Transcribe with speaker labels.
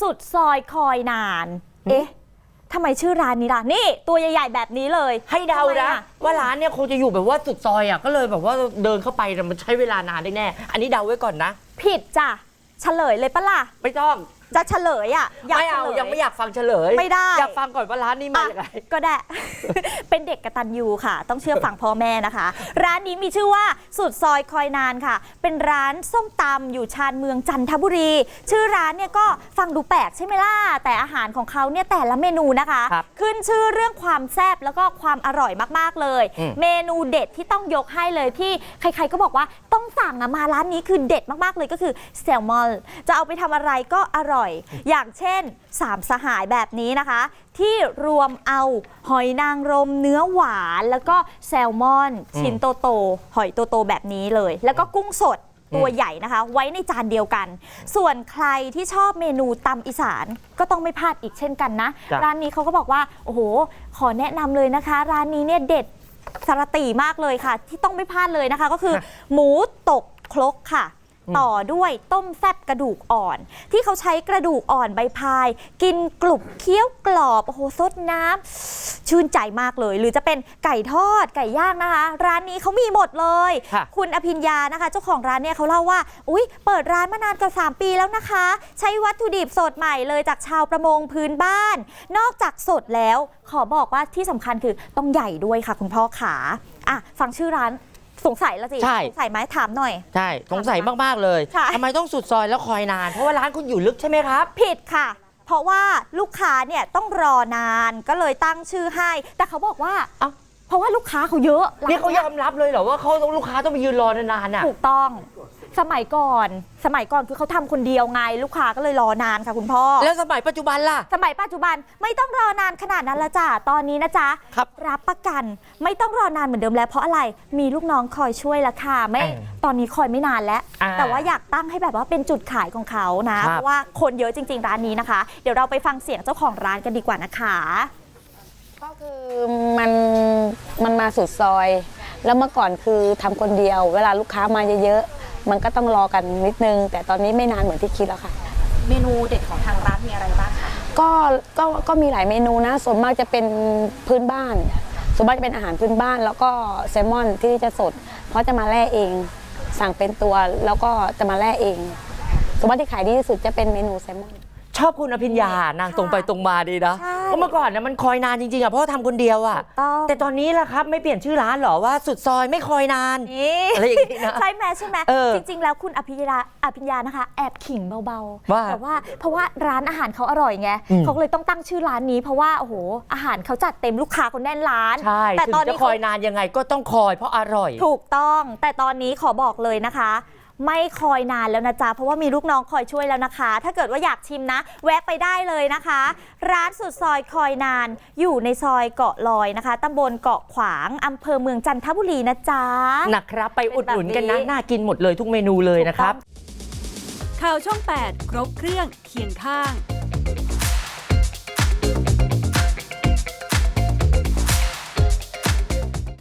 Speaker 1: สุดซอยคอยนานเอ๊ะทำไมชื่อร้านนี้ล่ะนี่ตัวใหญ่ๆแบบนี้เลย
Speaker 2: ให้เดานะว่าร้านเนี่ยคงจะอยู่แบบว่าสุดซอยอ่ะก็เลยแบบว่าเดินเข้าไปมันใช้เวลานานได้แน่อันนี้เดาไว้ก่อนนะ
Speaker 1: ผิดจ้ะเฉลยเลยปะล่ะ
Speaker 2: ไม่ต้อง
Speaker 1: จะเฉลยอ่ะ
Speaker 2: ไม่เอายังไม่อยากฟังเฉลย
Speaker 1: ไม่ได้
Speaker 2: อยากฟังก่อนว่าร้านนี้มาอย่างไร
Speaker 1: ก็ได้ เป็นเด็กกตัญญูค่ะต้องเชื่อฟังพ่อแม่นะคะร้านนี้มีชื่อว่าสุดซอยคอยนานค่ะเป็นร้านส้มตำอยู่ชานเมืองจันทบุรีชื่อร้านเนี่ยก็ฟังดูแปลกใช่ไหมล่ะแต่อาหารของเขาเนี่ยแต่ละเมนูนะคะขึ้นชื่อเรื่องความแซ่บแล้วก็ความอร่อยมากๆเลยเมนูเด็ดที่ต้องยกให้เลยที่ใครๆก็บอกว่าต้องสั่งมาร้านนี้คือเด็ดมากๆเลยก็คือแซลมอนจะเอาไปทำอะไรก็อร่อยอย่างเช่น3 สหายแบบนี้นะคะที่รวมเอาหอยนางรมเนื้อหวานแล้วก็แซลมอนชิ้นโตๆหอยโตๆแบบนี้เลยแล้วก็กุ้งสดตัวใหญ่นะคะไว้ในจานเดียวกันส่วนใครที่ชอบเมนูตำอีสานก็ต้องไม่พลาดอีกเช่นกันนะร้านนี้เขาก็บอกว่าโอ้โหขอแนะนำเลยนะคะร้านนี้เนี่ยเด็ดสระตีมากเลยค่ะที่ต้องไม่พลาดเลยนะคะก็คือหมูตกครกค่ะต่อด้วยต้มแซ่บกระดูกอ่อนที่เขาใช้กระดูกอ่อนใบพายกินกรุบเคี้ยวกรอบโอ้โหซดน้ำชื่นใจมากเลยหรือจะเป็นไก่ทอดไก่ย่างนะคะร้านนี้เขามีหมดเลยคุณอภิญญานะคะเจ้าของร้านเนี่ยเขาเล่าว่าอุ๊ยเปิดร้านมานานกว่า3 ปีแล้วนะคะใช้วัตถุดิบสดใหม่เลยจากชาวประมงพื้นบ้านนอกจากสดแล้วขอบอกว่าที่สำคัญคือต้องใหญ่ด้วยค่ะคุณพ่อขาฟังชื่อร้านสงสัยแล้วสิสงสัยไหมถามหน่อย
Speaker 2: ใช่สงสัยมากๆเลยทำไมต้องสุดซอยแล้วคอยนานเพราะว่าร้านคุณอยู่ลึกใช่ไหมครับ
Speaker 1: ผิดค่ะเพราะว่าลูกค้าเนี่ยต้องรอนานก็เลยตั้งชื่อให้แต่เขาบอกว่าเพราะว่าลูกค้าเขาเยอะ
Speaker 2: นี่เขายอมรับเลยเหรอว่าเขาต้องลูกค้าต้องไปยืนรอนานๆน่ะ
Speaker 1: ถูกต้องสมัยก่อนคือเขาทำคนเดียวไงลูกค้าก็เลยรอนานค่ะคุณพ่อ
Speaker 2: แล้วสมัยปัจจุบันล่ะ
Speaker 1: สมัยปัจจุบันไม่ต้องรอนานขนาดนั้นละจ้ะตอนนี้นะจ๊ะรับประกันไม่ต้องรอนานเหมือนเดิมแล้วเพราะอะไรมีลูกน้องคอยช่วยละค่ะไม่ตอนนี้คอยไม่นานแล้วแต่ว่าอยากตั้งให้แบบว่าเป็นจุดขายของเขานะเพราะว่าคนเยอะจริงๆร้านนี้นะคะเดี๋ยวเราไปฟังเสียงเจ้าของร้านกันดีกว่านะคะ
Speaker 3: ก็คือมันมาสุดซอยแล้วเมื่อก่อนคือทำคนเดียวเวลาลูกค้ามาเยอะๆมันก็ต้องรอกันนิดนึงแต่ตอนนี้ไม่นานเหมือนที่คิดแล้วค่ะ
Speaker 1: เมนูเด็ดของทางร้านมีอะไรบ้างคะ
Speaker 3: ก็มีหลายเมนูนะส่วนมากจะเป็นพื้นบ้านส่วนมากจะเป็นอาหารพื้นบ้านแล้วก็แซลมอนที่จะสดเพราะจะมาแล่เองสั่งเป็นตัวแล้วก็จะมาแล่เองส่วนมากที่ขายดีที่สุดจะเป็นเมนูแซลมอน
Speaker 2: ชอบคุณอภิญญานางตรงไปตรงมาดีนะเพราะเมื่อก่อนเนี่ยมันคอยนานจริงๆอ่ะเพราะทำคนเดียวอ่ะแต่ตอนนี้ล่ะครับไม่เปลี่ยนชื่อร้านหรอว่าสุดซอยไม่คอยนานอะไรอย่างนี้นะ
Speaker 1: ใช่ไหมจริงๆแล้วคุณอภิญญานะคะแอบขิงเบาๆแต่ว่าเพราะว่าร้านอาหารเขาอร่อยไงเขาเลยต้องตั้งชื่อร้านนี้เพราะว่าโอ้โหอาหารเขาจัดเต็มลูกค้าคนแน่นร้าน
Speaker 2: แต่ตอนนี้คอยนานยังไงก็ต้องคอยเพราะอร่อย
Speaker 1: ถูกต้องแต่ตอนนี้ขอบอกเลยนะคะไม่คอยนานแล้วนะจ๊ะเพราะว่ามีลูกน้องคอยช่วยแล้วนะคะถ้าเกิดว่าอยากชิมนะแวะไปได้เลยนะคะร้านสุดซอยคอยนานอยู่ในซอยเกาะลอยนะคะตำบลเกาะขวางอำเภอเมืองจันทบุรีนะจ๊ะ
Speaker 2: นะครับไปอุดหนุนกันนะน่ากินหมดเลยทุกเมนูเลยนะครับ
Speaker 4: ข่าวช่อง 8 ครบเครื่องเคียงข้าง